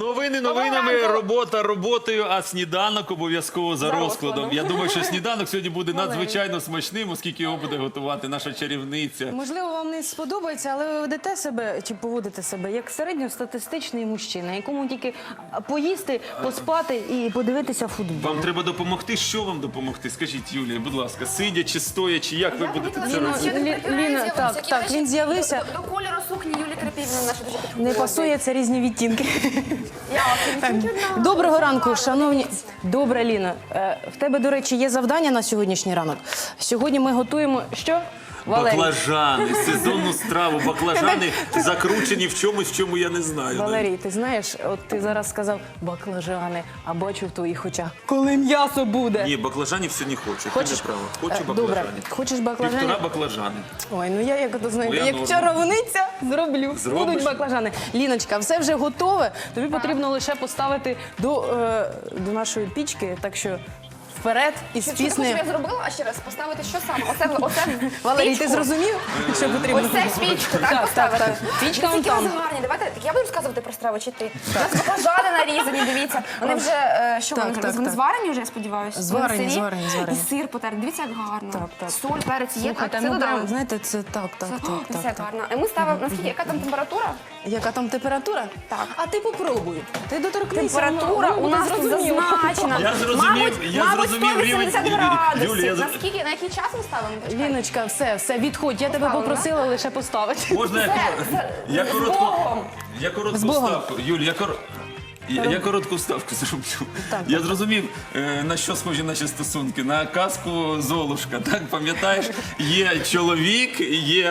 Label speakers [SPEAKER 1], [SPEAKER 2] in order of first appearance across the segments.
[SPEAKER 1] Новини новинами, робота роботою, а сніданок обов'язково за розкладом. Я думаю, що сніданок сьогодні буде надзвичайно смачним, оскільки його буде готувати наша чарівниця.
[SPEAKER 2] Можливо, вам не сподобається, але ви ведете себе чи поводите себе як середньостатистичний мужчина, якому тільки поїсти, поспати і подивитися футбол.
[SPEAKER 1] Вам треба допомогти. Що вам допомогти? Скажіть, Юлія, будь ласка, сидячи, стоячи, як ви будете це робити?
[SPEAKER 2] Ліна, так, він з'явився.
[SPEAKER 3] До кольору сукні Юлії Крапівни наша дуже підходить.
[SPEAKER 2] Не пасує, це різні відтінки.
[SPEAKER 3] Так.
[SPEAKER 2] Доброго ранку, шановні. Добре, Ліна. В тебе, до речі, є завдання на сьогоднішній ранок. Сьогодні ми готуємо що? Валерій.
[SPEAKER 1] Баклажани, сезонну страву, баклажани закручені в чомусь, в чому я не знаю.
[SPEAKER 2] Валерій, ти знаєш, от ти зараз сказав баклажани, а бачу в твоїх очах, коли м'ясо буде.
[SPEAKER 1] Ні, баклажанів сьогодні хочу.
[SPEAKER 2] Хочеш?
[SPEAKER 1] Ти не права. Хочу
[SPEAKER 2] Добре,
[SPEAKER 1] баклажанів.
[SPEAKER 2] хочеш баклажани?
[SPEAKER 1] 1,5 баклажани.
[SPEAKER 2] Ой, ну я як то знаю,
[SPEAKER 1] Моя
[SPEAKER 2] як
[SPEAKER 1] норма.
[SPEAKER 2] чаровниця зроблю.
[SPEAKER 1] Зробиш?
[SPEAKER 2] Будуть баклажани. Ліночка, все вже готове. Тобі потрібно лише поставити до нашої пічки, так що вперед із
[SPEAKER 3] Чи ти хочеш,
[SPEAKER 2] піснею.
[SPEAKER 3] щоб я зробила, а ще раз поставити що саме? Оце
[SPEAKER 2] Валерій,
[SPEAKER 3] пічку?
[SPEAKER 2] ти зрозумів, що потрібно?
[SPEAKER 3] Ось це пічку, так,
[SPEAKER 2] Так,
[SPEAKER 3] поставити?
[SPEAKER 2] так. Пічка
[SPEAKER 3] Дивіться,
[SPEAKER 2] вон
[SPEAKER 3] які
[SPEAKER 2] там.
[SPEAKER 3] у вас гарні. Давайте, так я буду розказувати про страву, чи ти? У нас баклажани нарізані, дивіться. Вони вже, що
[SPEAKER 2] Так,
[SPEAKER 3] вони
[SPEAKER 2] так,
[SPEAKER 3] зараз? Вони
[SPEAKER 2] так.
[SPEAKER 3] зварені вже, я сподіваюся?
[SPEAKER 2] Зварені,
[SPEAKER 3] Вони сирі?
[SPEAKER 2] зварені.
[SPEAKER 3] І сир потерти. Дивіться, як гарно.
[SPEAKER 2] Так, так.
[SPEAKER 3] Соль, перець є, так,
[SPEAKER 2] Слухайте,
[SPEAKER 3] це
[SPEAKER 2] ну
[SPEAKER 3] додамо.
[SPEAKER 2] прям, знаєте, це так.
[SPEAKER 3] Дивіться, як гарно. І ми ставимо, наскільки, яка там температура?
[SPEAKER 2] Яка там температура?
[SPEAKER 3] Так.
[SPEAKER 2] А ти попробуй. Ти доторкнися.
[SPEAKER 3] Температура
[SPEAKER 2] воно
[SPEAKER 3] у нас тут
[SPEAKER 2] зрозуміло.
[SPEAKER 3] зазначена.
[SPEAKER 1] Я зрозумів,
[SPEAKER 3] Мабуть, 180 градусів.
[SPEAKER 1] Юлія,
[SPEAKER 3] Наскільки, на який час ми ставимо? Почекайте.
[SPEAKER 2] Ліночка, все, відходь. Я тебе
[SPEAKER 3] Поставила,
[SPEAKER 2] попросила лише поставити.
[SPEAKER 1] Можна я коротку
[SPEAKER 2] Богом.
[SPEAKER 1] ставку. Юль, я коротку вставку зроблю.
[SPEAKER 2] Так.
[SPEAKER 1] Я зрозумів, на що схожі наші стосунки. На казку Золушка. Так, пам'ятаєш, є чоловік, є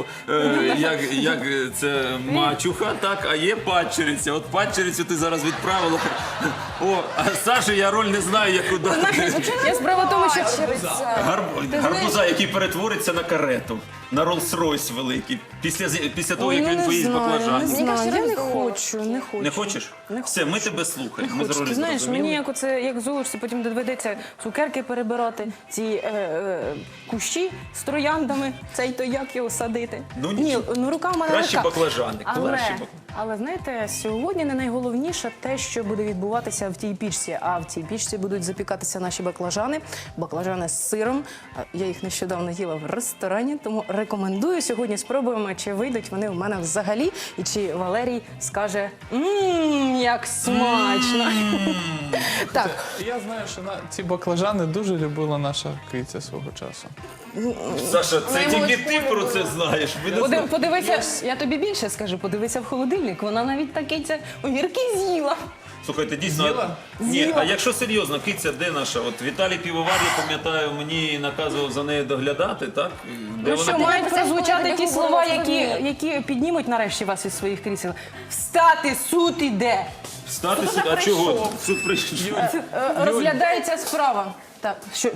[SPEAKER 1] як це мачуха, так, а є падчериця. От падчерицю ти зараз відправила. О, а Саші я роль не знаю, яку дати.
[SPEAKER 2] Я справа в тому, що
[SPEAKER 1] Гарбуза, який перетвориться на карету, на Роллс-Ройс великий, після того,
[SPEAKER 2] Ой,
[SPEAKER 1] як
[SPEAKER 2] ну
[SPEAKER 1] він
[SPEAKER 2] не
[SPEAKER 1] поїсть
[SPEAKER 2] знаю,
[SPEAKER 1] баклажан.
[SPEAKER 2] не
[SPEAKER 3] Мені
[SPEAKER 2] знаю.
[SPEAKER 3] кажеться,
[SPEAKER 2] Я не
[SPEAKER 3] роздумала.
[SPEAKER 2] хочу.
[SPEAKER 1] Не хочеш?
[SPEAKER 2] Не
[SPEAKER 1] Все, ми тебе слухаємо. Ми з
[SPEAKER 2] Хочу.
[SPEAKER 1] ролі
[SPEAKER 2] Ти знаєш,
[SPEAKER 1] зрозуміли.
[SPEAKER 2] мені як оце, як Золушці, потім доведеться цукерки перебирати, ці кущі з трояндами, цей то як його садити.
[SPEAKER 1] Ну,
[SPEAKER 2] Ні,
[SPEAKER 1] нічого.
[SPEAKER 2] ну рука в мене
[SPEAKER 1] Кращі
[SPEAKER 2] легка.
[SPEAKER 1] баклажани, кращі баклажани.
[SPEAKER 2] Але знаєте, сьогодні не найголовніше те, що буде відбуватися в тій пічці. А в цій пічці будуть запікатися наші баклажани з сиром. Я їх нещодавно їла в ресторані, тому рекомендую. Сьогодні спробуємо, чи вийдуть вони в мене взагалі, і чи Валерій скаже як смачно. Так,
[SPEAKER 4] Я знаю, що ці баклажани дуже любила наша киця свого часу.
[SPEAKER 1] Саша, це тільки ти про це знаєш. Ви не знаєте.
[SPEAKER 2] подивися, я тобі більше скажу, подивися в холодильник. Вона навіть такі огірки з'їла.
[SPEAKER 1] Слухайте, дійсно.
[SPEAKER 4] З'їла?
[SPEAKER 1] Ні, а якщо серйозно, киця де наша? От Віталій Півовар, я пам'ятаю, мені наказував за нею доглядати, так? Де
[SPEAKER 2] Ну що,
[SPEAKER 1] вона?
[SPEAKER 2] мають
[SPEAKER 3] Ти
[SPEAKER 2] прозвучати
[SPEAKER 3] знаєш,
[SPEAKER 2] ті
[SPEAKER 3] коли
[SPEAKER 2] слова,
[SPEAKER 3] ти говорила,
[SPEAKER 2] які піднімуть нарешті вас із своїх крісел. Встати, суд іде.
[SPEAKER 1] Встати суд, а чого? Суд прийшов.
[SPEAKER 2] Розглядається справа. Так, що?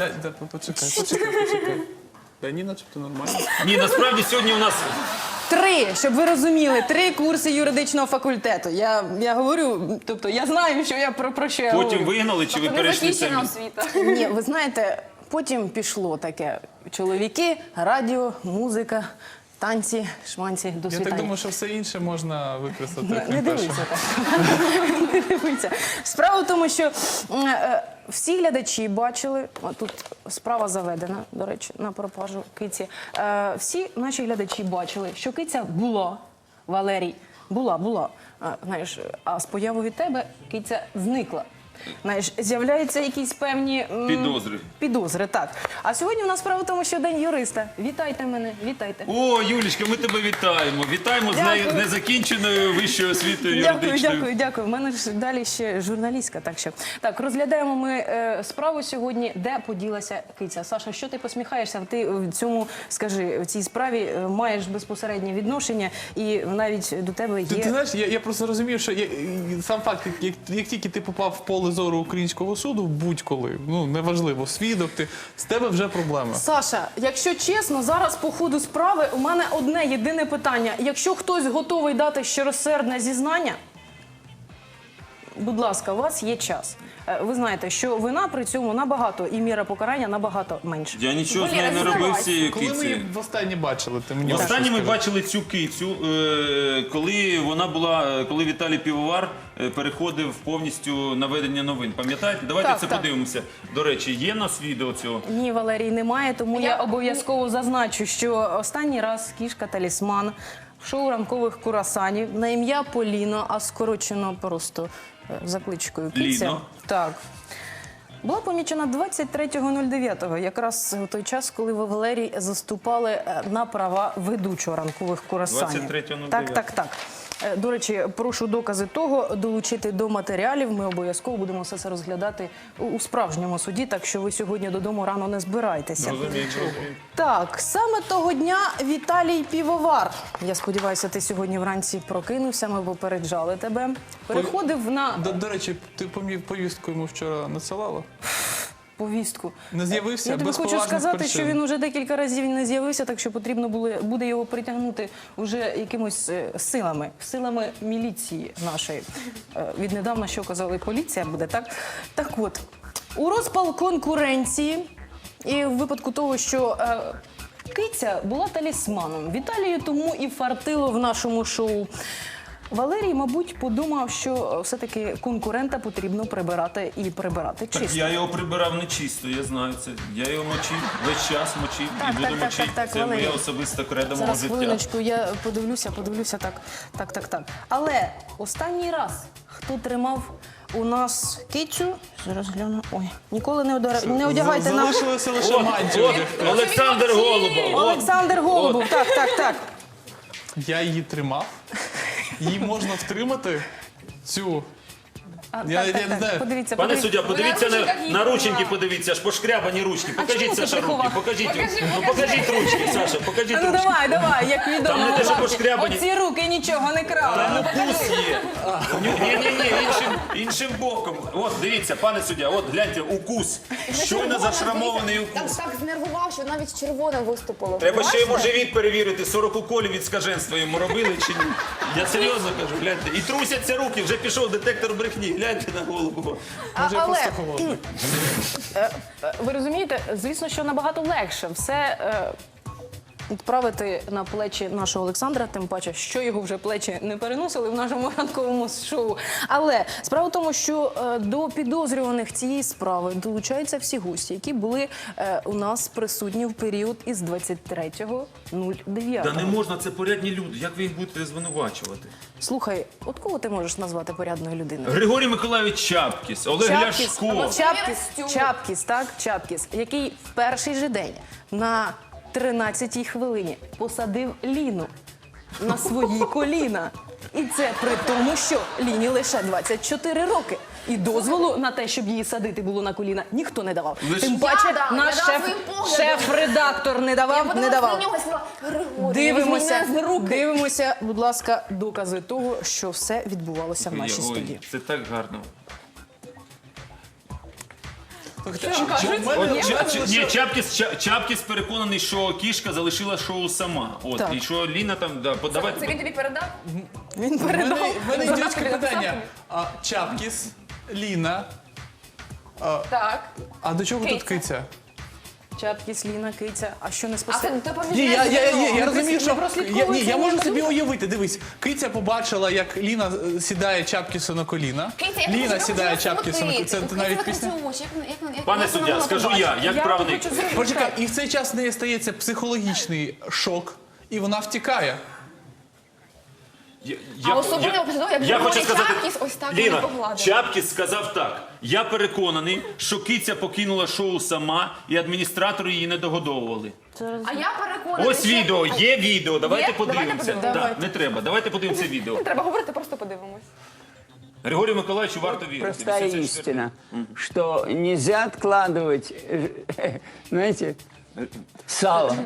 [SPEAKER 4] Почекай. Та ні, начебто нормально.
[SPEAKER 1] Ні, насправді сьогодні у нас
[SPEAKER 2] 3, щоб ви розуміли, 3 курси юридичного факультету. Я говорю, тобто я знаю, що я про що я
[SPEAKER 1] потім
[SPEAKER 2] говорю.
[SPEAKER 1] вигнали, чи ви
[SPEAKER 3] Не
[SPEAKER 1] перейшли
[SPEAKER 3] закінчена
[SPEAKER 1] самі?
[SPEAKER 3] освіта.
[SPEAKER 2] Ні, ви знаєте, потім пішло таке. Чоловіки, радіо, музика, танці, шманці, до
[SPEAKER 4] Я
[SPEAKER 2] світання.
[SPEAKER 4] так думаю, що все інше можна використати.
[SPEAKER 2] Не
[SPEAKER 4] крім
[SPEAKER 2] дивися
[SPEAKER 4] першого.
[SPEAKER 2] так. Не дивися. Справа в тому, що всі глядачі бачили, тут справа заведена, до речі, на пропажу киці. Всі наші глядачі бачили, що киця була, Валерій, була. Знаєш, а з появою від тебе киця зникла. Знаєш, з'являються якісь певні підозри, так. А сьогодні у нас справа в тому, що День юриста. Вітайте мене, вітайте.
[SPEAKER 1] О, Юлічка, ми тебе вітаємо. Вітаємо з
[SPEAKER 2] Дякую.
[SPEAKER 1] незакінченою вищою освітою юридичною.
[SPEAKER 2] Дякую. У мене ж далі ще журналістка. Так, розглядаємо ми справу сьогодні, де поділася киця. Саша, що ти посміхаєшся? Ти в цьому, скажи, в цій справі маєш безпосереднє відношення і навіть до тебе є...
[SPEAKER 4] Ти знаєш, я просто розумію, що сам факт, як тільки ти попав в поле зору українського суду, будь-коли, ну неважливо, свідок, з тебе вже проблема.
[SPEAKER 2] Саша, якщо чесно, зараз по ходу справи у мене одне єдине питання. Якщо хтось готовий дати щиросердне зізнання, будь ласка, у вас є час. ви знаєте, що вина при цьому набагато, і міра покарання набагато менше.
[SPEAKER 1] Я нічого з нею не робив з цією
[SPEAKER 4] Коли ми
[SPEAKER 1] кицею.
[SPEAKER 4] її востаннє бачили, ти мені
[SPEAKER 1] Останнє ми
[SPEAKER 4] скажи.
[SPEAKER 1] бачили цю кицю, коли Віталій Півовар переходив повністю на ведення новин. Пам'ятаєте? Давайте
[SPEAKER 2] Так,
[SPEAKER 1] це
[SPEAKER 2] так.
[SPEAKER 1] подивимося. До речі, є в нас відео цього?
[SPEAKER 2] Ні, Валерій, немає, тому я обов'язково зазначу, що останній раз кішка-талісман в шоу ранкових курасанів на ім'я Поліно, а скорочено просто за кличкою Киця.
[SPEAKER 1] Ліно.
[SPEAKER 2] Так. Була помічена 23.09, якраз у той час, коли ви, Валерій, заступали на права ведучого ранкових курасанів.
[SPEAKER 1] 23.09.
[SPEAKER 2] Так. До речі, прошу докази того долучити до матеріалів. Ми обов'язково будемо все це розглядати у справжньому суді, так що ви сьогодні додому рано не збирайтеся.
[SPEAKER 1] Розумію.
[SPEAKER 2] Так, саме того дня Віталій Півовар. Я сподіваюся, ти сьогодні вранці прокинувся, ми попереджали тебе. Переходив на
[SPEAKER 4] До речі, ти повістку йому вчора надсилала?
[SPEAKER 2] повістку.
[SPEAKER 4] Не з'явився
[SPEAKER 2] Я тобі
[SPEAKER 4] без
[SPEAKER 2] хочу
[SPEAKER 4] поважних
[SPEAKER 2] сказати,
[SPEAKER 4] причин.
[SPEAKER 2] що він уже декілька разів не з'явився, так що потрібно буде його притягнути вже якимось силами міліції нашої. Віднедавна, що казали, поліція буде, так? Так от, у розпал конкуренції і в випадку того, що киця була талісманом, Віталію тому і фартило в нашому шоу. Валерій, мабуть, подумав, що все-таки конкурента потрібно прибирати і прибирати
[SPEAKER 1] Так
[SPEAKER 2] чисто.
[SPEAKER 1] я його прибирав нечисто, я знаю це. Я його мочив, весь час мочив і буду мочити. Це
[SPEAKER 2] Валерій.
[SPEAKER 1] моє особисте кредо мого
[SPEAKER 2] Зараз
[SPEAKER 1] життя.
[SPEAKER 2] хвилиночку, я подивлюся, так. Але останній раз, хто тримав у нас кицю, зараз гляну, ой, ніколи не одягайте нам.
[SPEAKER 4] Залишилося лише мантію.
[SPEAKER 1] От, Олександр Голубов.
[SPEAKER 2] Олександр Голубов, так.
[SPEAKER 4] Я її тримав. Її можна втримати, цю... Я не знаю.
[SPEAKER 2] Подивіться,
[SPEAKER 1] Пане
[SPEAKER 2] подивіться.
[SPEAKER 1] суддя, подивіться
[SPEAKER 3] на ручках їх
[SPEAKER 1] на рученьки,
[SPEAKER 3] тримала.
[SPEAKER 1] подивіться, аж пошкрябані ручки.
[SPEAKER 2] чому
[SPEAKER 1] Покажіть,
[SPEAKER 2] ти
[SPEAKER 1] Саша, руки,
[SPEAKER 2] приховав?
[SPEAKER 1] покажіть.
[SPEAKER 3] Покажи.
[SPEAKER 1] Покажіть ручки, Саша, покажіть
[SPEAKER 2] Ну
[SPEAKER 1] ручки.
[SPEAKER 2] давай, як відомо.
[SPEAKER 1] Там не те, що
[SPEAKER 2] Бабці,
[SPEAKER 1] пошкрябані.
[SPEAKER 2] оці руки нічого не крали.
[SPEAKER 1] Там укус є. Ні, іншим боком. От, дивіться, пане суддя, от гляньте, укус. Щойно зашрамований укус.
[SPEAKER 3] Так знервував, що навіть червоне виступило.
[SPEAKER 1] Треба ще йому живіт перевірити, 40 уколів від скаженства йому робили чи ні. Я серйозно кажу, гляньте. І трусяться руки, вже пішов детектор брехні. Гляньте на голову.
[SPEAKER 4] Може, я просто холодний.
[SPEAKER 2] Ви розумієте, звісно, що набагато легше все відправити на плечі нашого Олександра, тим паче, що його вже плечі не переносили в нашому ранковому шоу. Але справа в тому, що до підозрюваних цієї справи долучаються всі гості, які були у нас присутні в період із 23.09.
[SPEAKER 1] Та не можна, це порядні люди. Як ви їх будете звинувачувати?
[SPEAKER 2] Слухай, от кого ти можеш назвати порядною людиною?
[SPEAKER 1] Григорій Миколаївич Чапкіс, Олег Ляшко.
[SPEAKER 2] Чапкіс, який в перший же день на 13-й хвилині посадив Ліну на свої коліна. І це при тому, що Ліні лише 24 роки. І дозволу на те, щоб її садити було на коліна, ніхто не давав. Тим паче,
[SPEAKER 3] Я дам,
[SPEAKER 2] наш
[SPEAKER 3] я дам своїм поглядом.
[SPEAKER 2] шеф-редактор не давав, не давав. Дивимося, будь ласка, докази того, що все відбувалося в нашій студії.
[SPEAKER 1] Це так гарно. Чапкіс переконаний, що кішка залишила шоу сама. От,
[SPEAKER 2] Так.
[SPEAKER 1] і що Ліна там, да,
[SPEAKER 3] Це він
[SPEAKER 1] подавайте.
[SPEAKER 3] тобі передав?
[SPEAKER 2] Він
[SPEAKER 4] В
[SPEAKER 2] передав.
[SPEAKER 4] мене
[SPEAKER 3] Задачки
[SPEAKER 4] ідіотське
[SPEAKER 3] написав
[SPEAKER 4] питання.
[SPEAKER 3] тобі?
[SPEAKER 4] Чапкіс, Ліна.
[SPEAKER 3] Так.
[SPEAKER 4] А до чого тут
[SPEAKER 3] Киця.
[SPEAKER 4] киця?
[SPEAKER 2] Чапкіс, Ліна, киця. А що не
[SPEAKER 3] А
[SPEAKER 2] спасе?
[SPEAKER 3] ти поміж
[SPEAKER 4] Ні, я розумію, що
[SPEAKER 2] прослідковується
[SPEAKER 4] я можу
[SPEAKER 2] ніяка
[SPEAKER 4] собі уявити. Дивись, киця побачила, як Ліна сідає Чапкісу на коліна. Ліна сідає Чапкісу на коліна. Це навіть пісня.
[SPEAKER 1] Пане суддя, скажу я, як правник.
[SPEAKER 4] Почекай, і в цей час в неї стається психологічний шок, і вона втікає.
[SPEAKER 3] особливо після того, як
[SPEAKER 1] я
[SPEAKER 3] Григорій
[SPEAKER 1] хочу сказати,
[SPEAKER 3] Чапкіс ось так
[SPEAKER 1] Ліна,
[SPEAKER 3] її погладив.
[SPEAKER 1] Чапкіс сказав так. Я переконаний, що киця покинула шоу сама і адміністратори її не догодовували.
[SPEAKER 3] А я переконана,
[SPEAKER 1] Ось відео, є відео, давайте
[SPEAKER 3] Є? Давайте
[SPEAKER 1] подивимося.
[SPEAKER 3] подивимося.
[SPEAKER 1] Так, не треба, давайте подивимося відео.
[SPEAKER 3] Треба говорити, просто подивимось.
[SPEAKER 1] Григорію Миколаївичу варто вірити.
[SPEAKER 5] Простая
[SPEAKER 1] 84.
[SPEAKER 5] истина, что нельзя откладывать, знаете, сало.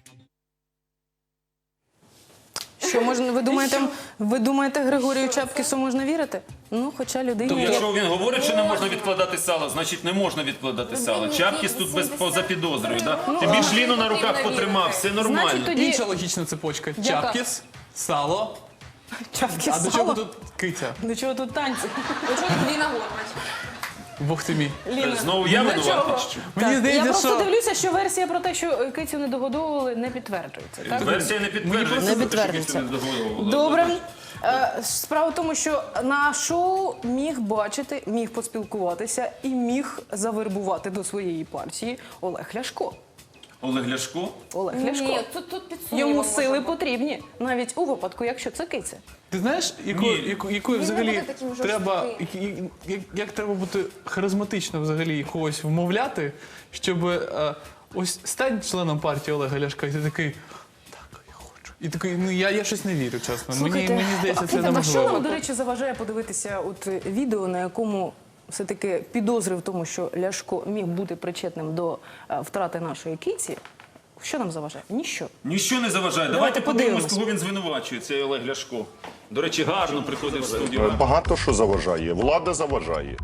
[SPEAKER 2] Що можна, ви думаєте, Григорію Чапкісу можна вірити? Ну, хоча
[SPEAKER 1] То
[SPEAKER 2] людині...
[SPEAKER 1] якщо він говорить, що не можна відкладати сало, значить не можна відкладати сало. Чапкіс тут поза підозрою, да? Тим більш Ліну на руках потримав, все нормально.
[SPEAKER 2] Значить, тоді
[SPEAKER 4] Інша логічна цепочка. Чапкіс, сало.
[SPEAKER 2] Чапкіс
[SPEAKER 4] А до
[SPEAKER 2] сало.
[SPEAKER 4] чого тут киця?
[SPEAKER 2] До чого тут танці?
[SPEAKER 3] До чого тут Ліна Горбач?
[SPEAKER 4] Бог ти мій.
[SPEAKER 1] Знову я винуватий? чи що?
[SPEAKER 4] Мені
[SPEAKER 2] Я
[SPEAKER 4] здається,
[SPEAKER 2] просто
[SPEAKER 4] що...
[SPEAKER 2] дивлюся, що версія про те, що кицю не догодовували, не підтверджується. Так?
[SPEAKER 1] Версія не підтверджується.
[SPEAKER 2] Не підтверджується. Добре. Справа в тому, що на шоу міг бачити, міг поспілкуватися і міг завербувати до своєї партії Олег Ляшко.
[SPEAKER 1] Олег Ляшко?
[SPEAKER 2] Олег Ляшко.
[SPEAKER 3] Ні, тут під сумнівом
[SPEAKER 2] Йому
[SPEAKER 3] може
[SPEAKER 2] сили
[SPEAKER 3] бути.
[SPEAKER 2] потрібні, навіть у випадку, якщо це киця.
[SPEAKER 4] Ти знаєш, якою
[SPEAKER 3] Він не
[SPEAKER 4] взагалі
[SPEAKER 3] буде таким
[SPEAKER 4] треба,
[SPEAKER 3] жорстким.
[SPEAKER 4] як треба бути харизматично взагалі когось вмовляти, щоб ось стань членом партії Олега Ляшка, і ти такий, так, я хочу. І такий, ну я щось не вірю, чесно. Мені здається, це
[SPEAKER 2] а що
[SPEAKER 4] неможливо.
[SPEAKER 2] нам, до речі, заважає подивитися от відео, на якому все-таки підозри в тому, що Ляшко міг бути причетним до втрати нашої киці? Що нам заважає? Ніщо.
[SPEAKER 1] Ніщо не заважає.
[SPEAKER 2] Давайте
[SPEAKER 1] Давайте подивимось,
[SPEAKER 2] подивимось.
[SPEAKER 1] кого він звинувачує, цей Олег Ляшко. До речі, гарно приходив в студію.
[SPEAKER 6] Багато що заважає. Влада заважає.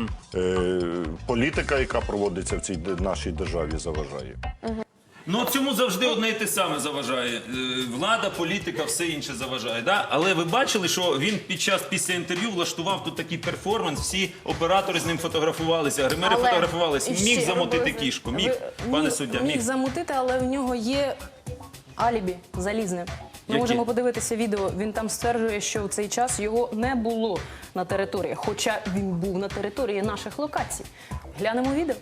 [SPEAKER 6] Політика, яка проводиться в цій нашій державі, заважає.
[SPEAKER 1] Ну цьому завжди одне і те саме заважає. Влада, політика, все інше заважає. Да? Але ви бачили, що він після інтерв'ю влаштував тут такий перформанс, всі оператори з ним фотографувалися, гримери
[SPEAKER 2] Але
[SPEAKER 1] фотографувалися. Міг
[SPEAKER 2] ще
[SPEAKER 1] замутити кішку. Міг, пане суддя,
[SPEAKER 2] міг
[SPEAKER 1] міг.
[SPEAKER 2] замутити, але в нього є алібі залізне. Ми
[SPEAKER 1] Які?
[SPEAKER 2] можемо подивитися відео. Він там стверджує, що в цей час його не було на території, хоча він був на території наших локацій. Глянемо відео.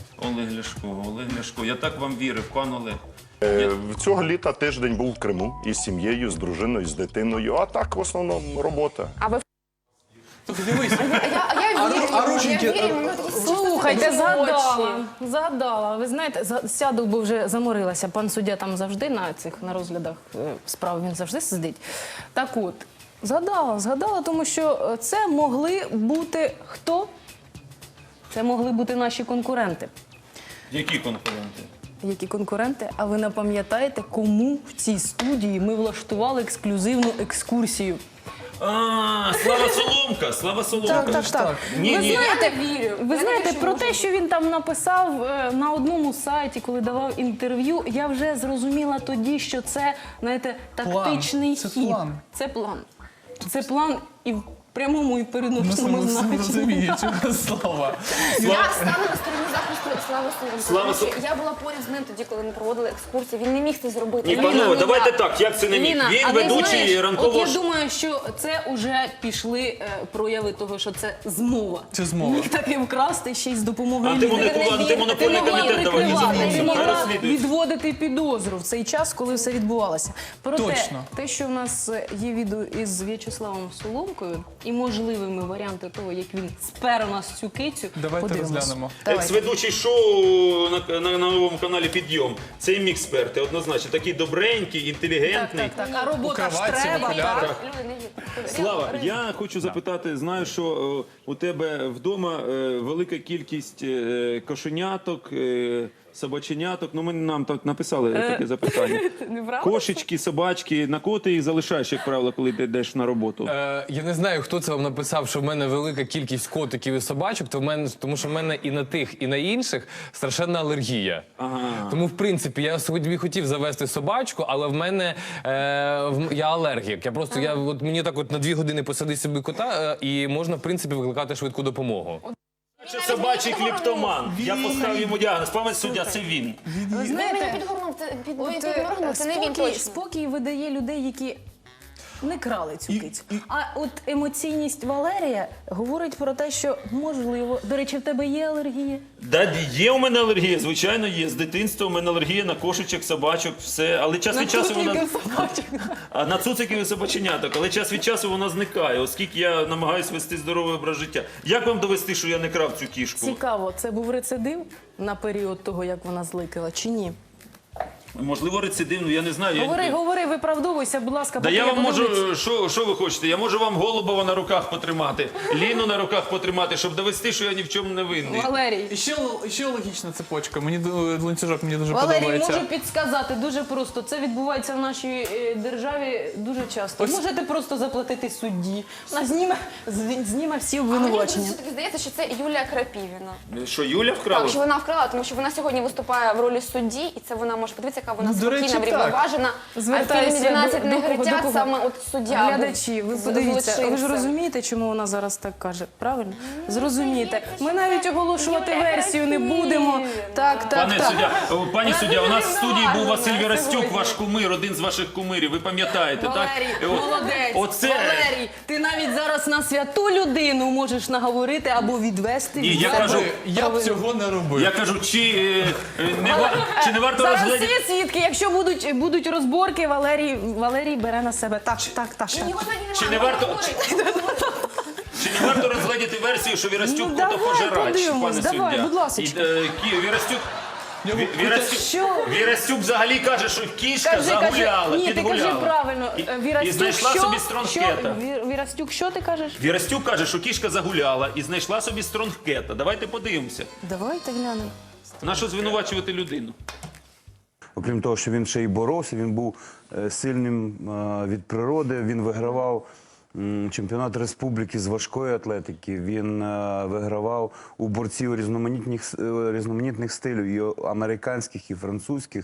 [SPEAKER 1] Олег Ляшко. Я так вам вірив, пан Олег.
[SPEAKER 6] Цього літа тиждень був в Криму із сім'єю, з дружиною, з дитиною, а так в основному робота.
[SPEAKER 3] А ви
[SPEAKER 4] Дивись,
[SPEAKER 3] я вірю,
[SPEAKER 4] а рученьки-
[SPEAKER 3] я вірю, ми такі
[SPEAKER 2] Слухайте,
[SPEAKER 3] чисто
[SPEAKER 2] згадала. Згадала. Ви знаєте, сяду, бо вже заморилася. Пан суддя там завжди на розглядах справ, він завжди сидить. Так от, згадала, тому що це могли бути хто? Це могли бути наші конкуренти.
[SPEAKER 1] Які конкуренти?
[SPEAKER 2] Які конкуренти? А ви не пам'ятаєте, кому в цій студії ми влаштували ексклюзивну екскурсію?
[SPEAKER 1] Слава Соломка! Слава Соломка!
[SPEAKER 2] Так.
[SPEAKER 1] Ні,
[SPEAKER 2] Ви
[SPEAKER 1] ні.
[SPEAKER 2] знаєте, про те, що він там написав на одному сайті, коли давав інтерв'ю, я вже зрозуміла тоді, що це, знаєте, тактичний
[SPEAKER 4] Це
[SPEAKER 2] хід.
[SPEAKER 4] план.
[SPEAKER 2] Це план. Це план і в прямому і
[SPEAKER 4] ну,
[SPEAKER 2] переносному значенні.
[SPEAKER 4] розумію, цього слова.
[SPEAKER 3] Я стану на стороні захисту Слави Соломка.
[SPEAKER 1] Слава
[SPEAKER 3] Тому що я була поряд з ним тоді, коли ми проводили екскурсію. Він не міг це зробити.
[SPEAKER 1] Ні, панове, давайте так, як це не міг?
[SPEAKER 2] Ліна,
[SPEAKER 1] Він
[SPEAKER 2] а ти
[SPEAKER 1] ведучий
[SPEAKER 2] знаєш,
[SPEAKER 1] ранкового...
[SPEAKER 2] От я думаю, що це вже пішли прояви того, що це змова.
[SPEAKER 4] Це змова.
[SPEAKER 2] Міг таки вкрасти ще й з допомогою
[SPEAKER 1] Антимонопольний комітет давайте
[SPEAKER 2] ти
[SPEAKER 1] змовимо.
[SPEAKER 2] могла
[SPEAKER 1] Розслідують.
[SPEAKER 2] відводити підозру в цей час, коли все відбувалося. Проте,
[SPEAKER 4] Точно.
[SPEAKER 2] те, що в нас є відео із В'ячеславом Соломкою і можливими варіанти того, як він спер у нас цю кицю,
[SPEAKER 4] Давайте
[SPEAKER 2] подивимось.
[SPEAKER 4] розглянемо.
[SPEAKER 2] Давайте.
[SPEAKER 1] Екс-ведучий шоу на новому каналі «Підйом». Це міг сперти, однозначно. Такий добренький, інтелігентний.
[SPEAKER 2] Так, а робота ж
[SPEAKER 4] кроватці,
[SPEAKER 2] треба.
[SPEAKER 4] в окулярах.
[SPEAKER 2] так?
[SPEAKER 3] Люди, не вірять.
[SPEAKER 1] Слава, я хочу запитати, знаю, що у тебе вдома велика кількість кошеняток, собаченяток. Ну, нам так написали таке запитання.
[SPEAKER 2] Неправда?
[SPEAKER 1] Кошечки, собачки, на кого ти їх залишаєш, як правило, коли ти йдеш на роботу?
[SPEAKER 7] Я не знаю, хто це вам написав, що в мене велика кількість котиків і собачок, тому що в мене і на тих, і на інших страшенна алергія. Тому, в принципі, я собі хотів завести собачку, але в мене я алергік. От мені так от на 2 години посади собі кота, і можна, в принципі, викликати швидку допомогу.
[SPEAKER 1] Це собачий кліптоман. Я поставив йому діагноз. Пане суддя, це він.
[SPEAKER 2] Ви
[SPEAKER 3] Він
[SPEAKER 2] знаєте,
[SPEAKER 3] мені підгорнув,
[SPEAKER 2] От,
[SPEAKER 3] це не він точно.
[SPEAKER 2] спокій видає людей, які не крали цю кицю. А от емоційність Валерія говорить про те, що можливо. До речі, в тебе є алергія?
[SPEAKER 1] Да, є у мене алергія, звичайно, є. З дитинства у мене алергія на кошечок, собачок, все. Але час від часу вона... А на цуциків і собаченяток. Але час від часу вона зникає, оскільки я намагаюся вести здоровий образ життя. Як вам довести, що я не крав цю кішку?
[SPEAKER 2] Цікаво, це був рецидив на період того, як вона зликала, чи ні?
[SPEAKER 1] Можливо, рецидивну, я не знаю.
[SPEAKER 2] Говори, виправдовуйся, будь ласка,
[SPEAKER 1] Да
[SPEAKER 2] поки
[SPEAKER 1] я вам
[SPEAKER 2] подивлюсь.
[SPEAKER 1] можу, що ви хочете? Я можу вам Голубова на руках потримати, Ліну на руках потримати, щоб довести, що я ні в чому не винний.
[SPEAKER 2] Валерій.
[SPEAKER 4] І ще логічна цепочка. Ланцюжок мені дуже
[SPEAKER 2] Валерій,
[SPEAKER 4] подобається.
[SPEAKER 2] можу підсказати дуже просто. Це відбувається в нашій державі дуже часто. Можете просто заплатити судді. Вона зніме всі
[SPEAKER 3] А мені
[SPEAKER 2] обвинувачення.
[SPEAKER 3] все-таки здається, що це Юлія Крапівіна.
[SPEAKER 1] Що, Юля вкрала?
[SPEAKER 3] Так, що вона вкрала, тому що вона сьогодні виступає в ролі судді, і це вона може подивитися, яка вона
[SPEAKER 4] Ну, до речі,
[SPEAKER 3] спокійна,
[SPEAKER 4] так.
[SPEAKER 3] врівноважена.
[SPEAKER 2] Звертайтеся звертаюся
[SPEAKER 3] 12
[SPEAKER 2] до
[SPEAKER 3] не
[SPEAKER 2] кого, до
[SPEAKER 3] гритять,
[SPEAKER 2] кого?
[SPEAKER 3] саме от суддя. був
[SPEAKER 2] Глядачі, ви подивіться, ви ж
[SPEAKER 3] злочинцем.
[SPEAKER 2] розумієте, чому вона зараз так каже? Правильно? Зрозумієте. Ми навіть оголошувати версію не будемо. Так, так,
[SPEAKER 1] Пане
[SPEAKER 2] так.
[SPEAKER 1] суддя, пані суддя, у нас в студії був Василь Вірастюк, ваш кумир, один з ваших кумирів. Ви пам'ятаєте, так?
[SPEAKER 2] Валерій,
[SPEAKER 1] І от-
[SPEAKER 2] молодець.
[SPEAKER 1] Оце
[SPEAKER 2] Валерій, ти навіть зараз на святу людину можеш наговорити або відвести.
[SPEAKER 1] Ні,
[SPEAKER 2] від
[SPEAKER 1] я
[SPEAKER 2] себе
[SPEAKER 1] кажу,
[SPEAKER 4] Я б
[SPEAKER 2] провину.
[SPEAKER 4] цього не робив.
[SPEAKER 1] я кажу, чи не варто
[SPEAKER 2] Зараз
[SPEAKER 1] розглядати.
[SPEAKER 2] всі свідки, якщо будуть розборки, Валерій бере на себе. Так, так, так. так.
[SPEAKER 3] Його сьогодні
[SPEAKER 1] Чи не
[SPEAKER 3] немає,
[SPEAKER 1] варто-
[SPEAKER 3] говорить.
[SPEAKER 1] Чи не варто розглядати версію, що Вірастюк
[SPEAKER 2] Ну,
[SPEAKER 1] кота
[SPEAKER 2] давай
[SPEAKER 1] пожирач,
[SPEAKER 2] подивимось,
[SPEAKER 1] пане
[SPEAKER 2] давай,
[SPEAKER 1] суддя?
[SPEAKER 2] будь ласочка.
[SPEAKER 1] Вірастюк...
[SPEAKER 4] Нього
[SPEAKER 2] Що?
[SPEAKER 1] Вірастюк взагалі каже, що кішка
[SPEAKER 2] Кажи,
[SPEAKER 1] загуляла,
[SPEAKER 2] ні, ти
[SPEAKER 1] підгуляла.
[SPEAKER 2] кажи правильно.
[SPEAKER 1] І
[SPEAKER 2] Вірастюк,
[SPEAKER 1] знайшла
[SPEAKER 2] що?
[SPEAKER 1] собі стронгкета.
[SPEAKER 2] Вірастюк, що ти кажеш?
[SPEAKER 1] Вірастюк каже, що кішка загуляла і знайшла собі стронгкета. Давайте подивимося.
[SPEAKER 2] Давайте глянемо.
[SPEAKER 1] На що звинувачувати людину?
[SPEAKER 8] Окрім того, що він ще й боровся, він був сильним від природи, він вигравав чемпіонат республіки з важкої атлетики, він вигравав у борців різноманітних стилів, і американських, і французьких.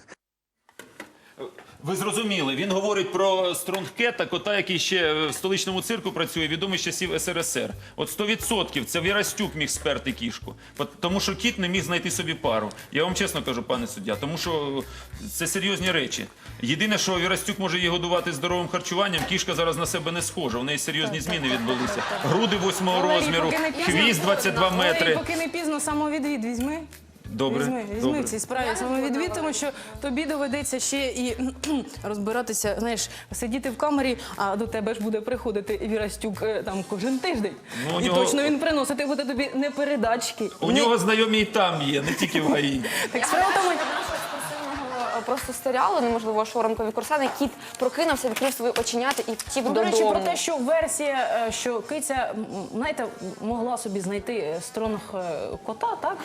[SPEAKER 1] Ви зрозуміли, він говорить про стронгкета, кота, який ще в столичному цирку працює, відомий з часів СРСР. От 100% це Вірастюк міг сперти кішку, тому що кіт не міг знайти собі пару. Я вам чесно кажу, пане суддя, тому що це серйозні речі. Єдине, що Вірастюк може її годувати здоровим харчуванням, кішка зараз на себе не схожа, у неї серйозні зміни відбулися. Груди 8-го розміру,
[SPEAKER 2] поки не пізно-
[SPEAKER 1] хвіст 22
[SPEAKER 2] Валерій,
[SPEAKER 1] метри.
[SPEAKER 2] поки не пізно, самовідвід візьми.
[SPEAKER 1] Добре,
[SPEAKER 2] Візьми
[SPEAKER 1] добре.
[SPEAKER 2] в цій справі самовідвід, тому що тобі доведеться ще і розбиратися, знаєш, сидіти в камері, а до тебе ж буде приходити Вірастюк там кожен тиждень.
[SPEAKER 1] Ну, у
[SPEAKER 2] І
[SPEAKER 1] нього-
[SPEAKER 2] точно він приносити буде тобі не передачки.
[SPEAKER 1] У нього знайомі і там є, не тільки в ГАІ.
[SPEAKER 2] Так справа в тому,
[SPEAKER 3] Просто серіалу, неможливо, шоу «Ранкові курсани», кіт прокинувся, відкрив свої оченята і втік
[SPEAKER 2] до
[SPEAKER 3] додому.
[SPEAKER 2] речі, про те, що версія, що киця, знаєте, могла собі знайти стронг кота, так?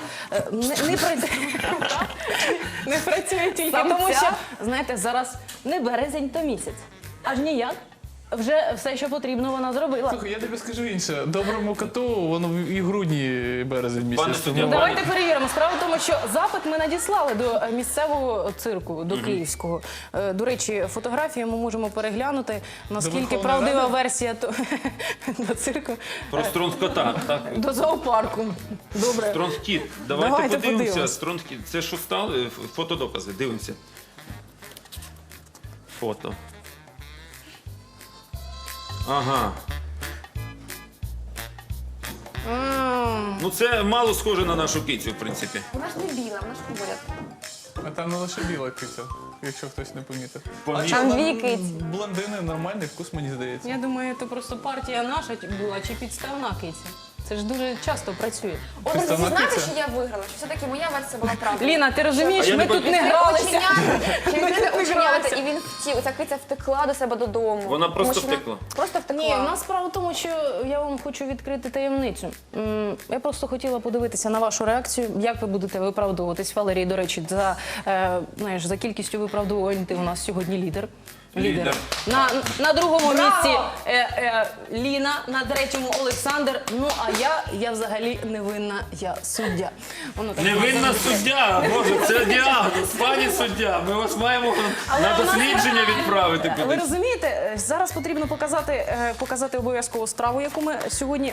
[SPEAKER 2] Не працює тільки
[SPEAKER 3] Самця?
[SPEAKER 2] тому, що, знаєте, зараз не березень, то місяць. Аж ніяк. Вже все, що потрібно, вона зробила.
[SPEAKER 4] Слухай, я тобі скажу інше. Доброму коту, воно і в грудні березень
[SPEAKER 1] Пане
[SPEAKER 4] місяць.
[SPEAKER 1] суддя,
[SPEAKER 4] тому-
[SPEAKER 2] Давайте перевіримо. Справа в тому, що запит ми надіслали до місцевого цирку, до київського. До речі, фотографії ми можемо переглянути, наскільки
[SPEAKER 4] Верховної
[SPEAKER 2] правдива
[SPEAKER 4] Ради?
[SPEAKER 2] версія до цирку,
[SPEAKER 1] Про стронгкота, так?
[SPEAKER 2] до зоопарку. Добре.
[SPEAKER 1] Стронгкіт. Давайте,
[SPEAKER 2] Давайте
[SPEAKER 1] подивимося.
[SPEAKER 2] подивимось.
[SPEAKER 1] Стронгкіт. Це що стали? Фотодокази. Дивимося. Фото. Ага. Ну це мало схоже на нашу кицю, в принципі.
[SPEAKER 3] Вона ж не біла, вона ж поряд.
[SPEAKER 4] А там не лише біла киця, якщо хтось не помітив.
[SPEAKER 3] Там дві киці.
[SPEAKER 4] Блондини нормальний вкус, мені здається.
[SPEAKER 2] Я думаю, це просто партія наша була чи підставна киця. Це ж дуже часто працює.
[SPEAKER 3] От ви
[SPEAKER 4] Представна
[SPEAKER 3] знаєте,
[SPEAKER 4] киця?
[SPEAKER 3] що я виграла? Що все-таки моя версія була правда.
[SPEAKER 2] Ліна, ти розумієш,
[SPEAKER 1] А я
[SPEAKER 2] ми
[SPEAKER 1] не
[SPEAKER 2] тут не
[SPEAKER 1] пам'ятаю.
[SPEAKER 2] гралися.
[SPEAKER 3] Чи
[SPEAKER 2] Ми
[SPEAKER 3] відкрити
[SPEAKER 2] тут не
[SPEAKER 3] оченята,
[SPEAKER 2] гралися.
[SPEAKER 3] і він втік. Ця киця втекла до себе додому.
[SPEAKER 1] Вона просто
[SPEAKER 3] Тому що
[SPEAKER 1] втекла?
[SPEAKER 3] Просто втекла.
[SPEAKER 2] Ні, у нас справа в тому, що я вам хочу відкрити таємницю. Я просто хотіла подивитися на вашу реакцію, як ви будете виправдовуватись. Валерій, до речі, знаєш, за кількістю виправдовувань ти у нас сьогодні лідер.
[SPEAKER 1] Лідер.
[SPEAKER 2] На другому місці Ліна, на третьому Олександр. Ну а я взагалі невинна, я суддя. Воно так
[SPEAKER 1] Невинна суддя, Боже, це діагноз, пані суддя. Ми вас маємо на дослідження відправити
[SPEAKER 2] Ви
[SPEAKER 1] кудись.
[SPEAKER 2] розумієте, зараз потрібно показати обов'язково страву, яку ми сьогодні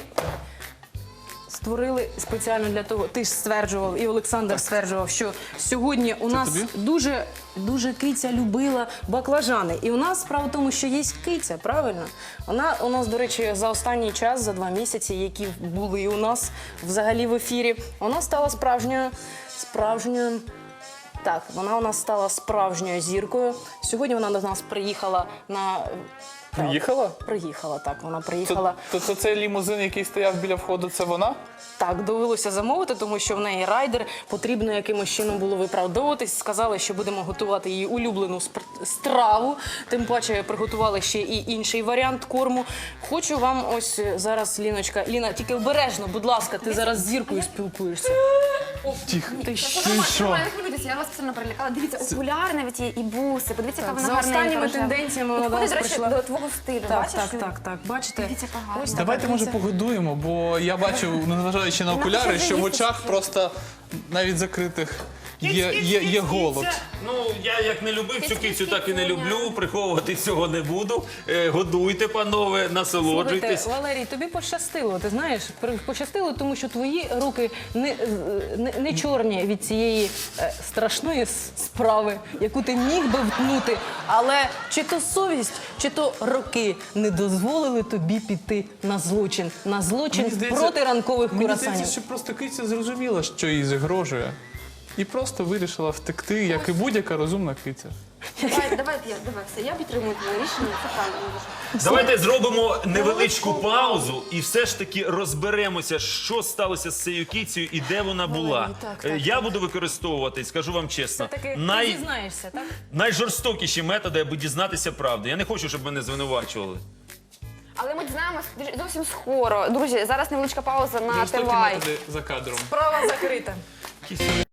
[SPEAKER 2] створили спеціально для того. Ти ж стверджував, і Олександр стверджував, що сьогодні у нас
[SPEAKER 4] тобі?
[SPEAKER 2] дуже киця любила баклажани. І у нас справа в тому, що є киця, правильно? Вона у нас, до речі, за останній час, за 2 місяці, які були у нас взагалі в ефірі, вона стала справжньою. Так, вона у нас стала справжньою зіркою. Сьогодні вона до нас приїхала на...
[SPEAKER 4] Приїхала?
[SPEAKER 2] Приїхала, так, вона приїхала.
[SPEAKER 4] То цей лімузин, який стояв біля входу, це вона?
[SPEAKER 2] Так, довелося замовити, тому що в неї райдер, потрібно якимось чином було виправдовуватись. Сказали, що будемо готувати її улюблену страву. Тим паче приготували ще і інший варіант корму. Хочу вам ось зараз, Ліночка, Ліна, тільки обережно, будь ласка, ти зараз з зіркою спілкуєшся.
[SPEAKER 4] Тихо.
[SPEAKER 2] Ти що?
[SPEAKER 3] Не хвилюйтеся, я вас спеціально перелякала. Дивіться, окуляри навіть є, і буси. Подивіться, яка вона
[SPEAKER 2] За
[SPEAKER 3] гарненька,
[SPEAKER 2] останніми
[SPEAKER 3] рожева.
[SPEAKER 2] тенденціями вона до
[SPEAKER 3] Підходить,
[SPEAKER 2] нас
[SPEAKER 3] до речі,
[SPEAKER 2] прийшла.
[SPEAKER 3] до твого стилю. Бачиш?
[SPEAKER 2] Так, бачите?
[SPEAKER 3] Дивіться, яка гарна.
[SPEAKER 2] Ось така
[SPEAKER 4] Давайте, може,
[SPEAKER 2] киця.
[SPEAKER 4] погодуємо, бо я бачу, незважаючи на окуляри, що в очах просто навіть закритих є голод.
[SPEAKER 1] Ну, я як не любив цю кицю, так і не люблю. Приховувати цього не буду. Годуйте, панове, насолоджуйтесь.
[SPEAKER 2] Слухайте, Валерій, тобі пощастило, ти знаєш, пощастило, тому що твої руки не чорні від цієї страшної справи, яку ти міг би втнути, але чи то совість, чи то роки не дозволили тобі піти на злочин проти ранкових
[SPEAKER 4] Мені
[SPEAKER 2] курасанів.
[SPEAKER 4] здається, що просто киця зрозуміла, що їй загрожує. І просто вирішила втекти, як і будь-яка розумна киця.
[SPEAKER 3] Давай, все, я підтримую твоє рішення, це правильно дуже.
[SPEAKER 1] Давайте зробимо невеличку паузу і все ж таки розберемося, що сталося з цією кицею і де вона була. Я буду використовувати, скажу вам чесно,
[SPEAKER 2] Все-таки ти зізнаєшся, так?
[SPEAKER 1] найжорстокіші методи, аби дізнатися правди. Я не хочу, щоб мене звинувачували.
[SPEAKER 3] Але ми дізнаємось зовсім скоро. Друзі, зараз невеличка пауза на
[SPEAKER 4] Жорстокі
[SPEAKER 3] Тивай.
[SPEAKER 4] методи за кадром.
[SPEAKER 2] Справа закрита.